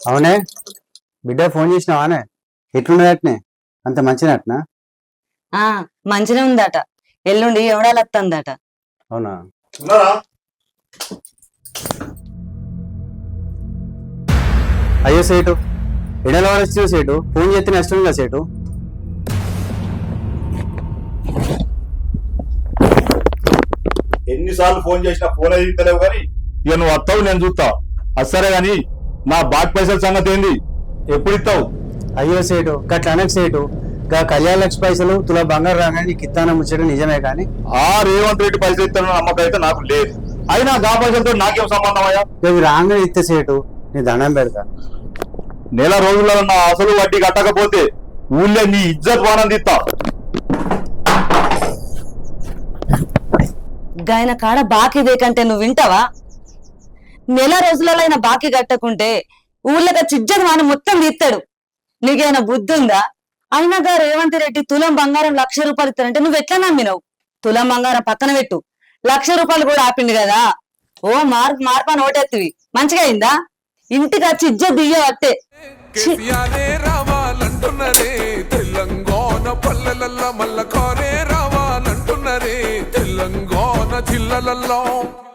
అవునే బిడ్డ ఫోన్ చేసినావానే? ఎట్లున్నదట్నే? అంత మంచినట్నా? ఆ మంచిగా ఉందట. ఎల్లుండి ఎవడాలు వస్తుందట. అవునా? అయ్యో సేటు, ఎడల వాడచ్చు సేటు. ఫోన్ చేస్తే నష్టం కదా సేటు. ఎన్నిసార్లు ఫోన్ చేసినా ఫోన్ అయితే తెలియవు కానీ ఇక నువ్వు వస్తావు, నేను చూస్తా. అసరే గాని నా బాకీ పైసల సంగతి ఏంది? ఎప్పుడు ఇస్తావు? అయ్యో సేటు గట్ల అనకు సేటు. గా కళ్యాణ లక్ష పైసలు తులా బంగారు రాగానే నీకు ఇత్తాన ముచ్చట నిజమే కానీ ఆ రేవంత్ రెడ్డి పైసలు ఇస్తాను నమ్మకం అయితే నాకు లేదు. అయినా గా పైసలతో నాకేం సంబంధం అయ్యా? ఇవి రాగానే ఇస్తే సేటు నీ దండం పెడతా. నెల రోజుల్లో నా అసలు వడ్డీ కట్టకపోతే ఊళ్ళో నీ ఇజ్జత్ వానం తీస్తా. గాయన కాడ బాకీ దేకంటే నువ్వు వింటావా? నెల రోజులలో ఆయన బాకీ కట్టకుంటే ఊళ్ళక చిజ్జది వాన మొత్తం తీస్తాడు. నీకేమైనా బుద్ధి ఉందా? అయినాగా రేవంత్ రెడ్డి తులం బంగారం 1,00,000 రూపాయలు ఇస్తానంటే నువ్వు ఎట్లా నమ్మినావు? తులం బంగారం పక్కన పెట్టు, 1,00,000 రూపాయలు కూడా ఆపిండు కదా. ఓ మార్పని ఓటెత్తివి మంచిగా అయిందా? ఇంటికి వచ్చి ఇజ్జత్ దియ్యవట్టే. రావాలంటున్నదే తెలంగాణ పల్లెలల్ల మల్ల కారే రావాలంటున్నదే తెలంగాణ జిల్లలల్లో